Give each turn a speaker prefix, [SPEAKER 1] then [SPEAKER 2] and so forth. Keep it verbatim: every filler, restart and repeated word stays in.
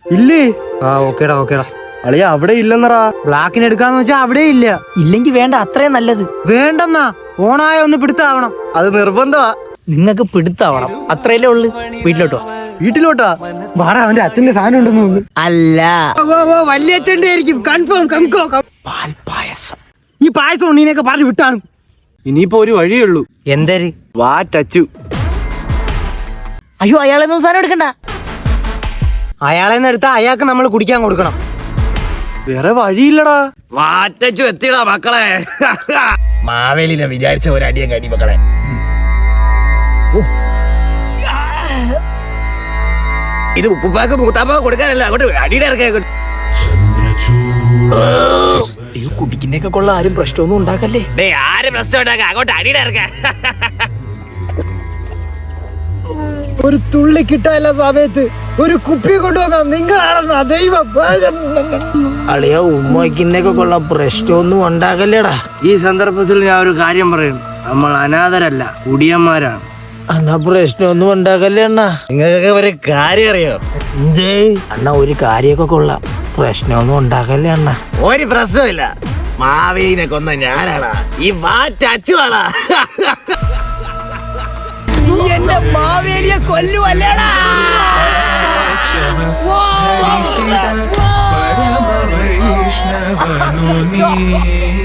[SPEAKER 1] ഇല്ലേ? ആ ഓക്കേടാ ഓക്കേടാ. അളിയ അവിടെ ഇല്ലെന്നറാ.
[SPEAKER 2] ബ്ലാക്കിന് എടുക്കാന്ന് വെച്ചാ അവിടെ ഇല്ല.
[SPEAKER 3] ഇല്ലെങ്കിൽ വേണ്ട, അത്രയും നല്ലത്.
[SPEAKER 2] വേണ്ടെന്നാ, ഓണായ ഒന്ന് പിടുത്താവണം.
[SPEAKER 1] അത് നിർബന്ധമാ.
[SPEAKER 3] നിങ്ങൾക്ക് പിടുത്താവണം, അത്രയല്ലേ ഉള്ളു. വീട്ടിലോട്ടോ.
[SPEAKER 1] വീട്ടിലോട്ടാ?
[SPEAKER 2] വാടാ, അവന്റെ അച്ഛന്റെ സാധനം ഉണ്ടെന്ന് തോന്നുന്നു.
[SPEAKER 3] അല്ല,
[SPEAKER 2] വലിയ അച്ഛന്റെ ആയിരിക്കും കൺഫേം.
[SPEAKER 3] പാൽപായസം.
[SPEAKER 2] ഈ പായസം ഉണ്ണീനൊക്കെ പറഞ്ഞു വിട്ടാണ്.
[SPEAKER 1] ഇനിയിപ്പോ ഒരു വഴിയേ ഉള്ളൂ.
[SPEAKER 2] എന്തര്?
[SPEAKER 1] വാ ടച്ചു.
[SPEAKER 3] അയ്യോ, അയാളെന്നും സാധനം എടുക്കണ്ട.
[SPEAKER 2] അയാളെ എടുത്താ അയാൾക്ക് നമ്മൾ കുടിക്കാൻ കൊടുക്കണം.
[SPEAKER 1] വേറെ വഴിയില്ലടാ.
[SPEAKER 4] വാറ്റച്ചു എത്തിടാ മക്കളെ. മാവേലിനെ വിചാരിച്ച ഒരടിയും കടി മക്കളെ. ഇത് ഉപ്പുപ്പാക്ക് മൂത്താപ്പ കൊടുക്കാനല്ല, അങ്ങോട്ട് അടിയുടെ ഇറക്കാൻ.
[SPEAKER 3] അയ്യോ, കുടിക്കുന്നൊക്കെ കൊള്ള, ആരും പ്രശ്നമൊന്നും ഉണ്ടാക്കല്ലേ.
[SPEAKER 4] ഡേ ആരും പ്രശ്നം ഉണ്ടാക്കാം, അങ്ങോട്ട് അടിയുടെ ഇറക്കാൻ.
[SPEAKER 2] ഒരു തുള്ളി കിട്ടാല്ല സമയത്ത് ഒരു കുപ്പി കൊണ്ടുവന്ന നിങ്ങളാണെന്നാ ദൈവം.
[SPEAKER 3] അളിയ, ഉമ്മയ്ക്കുന്നൊക്കെ കൊള്ള, പ്രശ്നമൊന്നും ഉണ്ടാക്കല്ലേടാ.
[SPEAKER 1] ഈ സന്ദർഭത്തിൽ ഞാൻ ഒരു കാര്യം പറയണം. നമ്മൾ അനാഥരല്ല, കുടിയന്മാരാണ്.
[SPEAKER 3] അണ്ണാ, പ്രശ്നമൊന്നും ഉണ്ടാക്കല്ലേ അണ്ണാ.
[SPEAKER 4] നിങ്ങൾക്കൊക്കെ ഒരു കാര്യം അറിയോ?
[SPEAKER 3] അണ്ണാ, ഒരു കാര്യമൊക്കെ കൊള്ളാം, പ്രശ്നമൊന്നും ഉണ്ടാക്കല്ലേ അണ്ണാ.
[SPEAKER 4] ഒരു പ്രശ്നമില്ല, മാവേലിനെ കൊന്ന ഞാനാടാ, ഈ വാറ്റച്ചുവാടാ.
[SPEAKER 3] നീ എന്റെ മാവേലിയെ കൊല്ലുവല്ലേടാ.
[SPEAKER 5] പരമ വൈഷ്ണവനു നീ